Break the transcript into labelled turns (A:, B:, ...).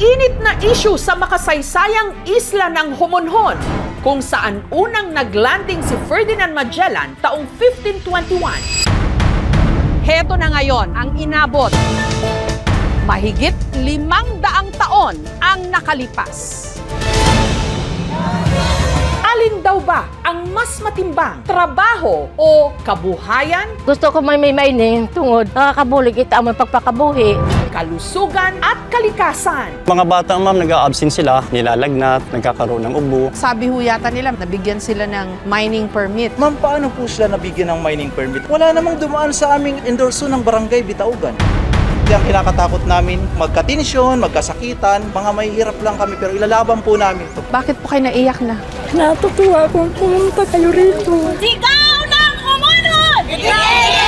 A: Mainit na issue sa makasaysayang isla ng Homonhon, kung saan unang naglanding si Ferdinand Magellan taong 1521. Heto na ngayon ang inabot. Mahigit 500 taon ang nakalipas. Alin daw ba ang mas matimbang, trabaho o kabuhayan,
B: Gusto ko may mining tungod nakakabulig kita ang pagpakabuhi.
A: kalusugan at kalikasan?
C: Mga bata, ma'am, nag-a-absent sila, nilalagnat, nagkakaroon ng ubo.
D: Sabi ho yata nila, nabigyan sila ng mining permit.
E: Ma'am, paano po sila nabigyan ng mining permit? Wala namang dumaan sa aming endorso ng barangay Bitaugan. Kaya ang kinakatakot namin, magka-tensyon, magkasakitan, mga mahihirap lang kami pero ilalaban po namin ito.
D: Bakit po kayo naiyak na?
B: Natutuwa akong pumunta kayo rito.
F: Sigaw ng Homonhon!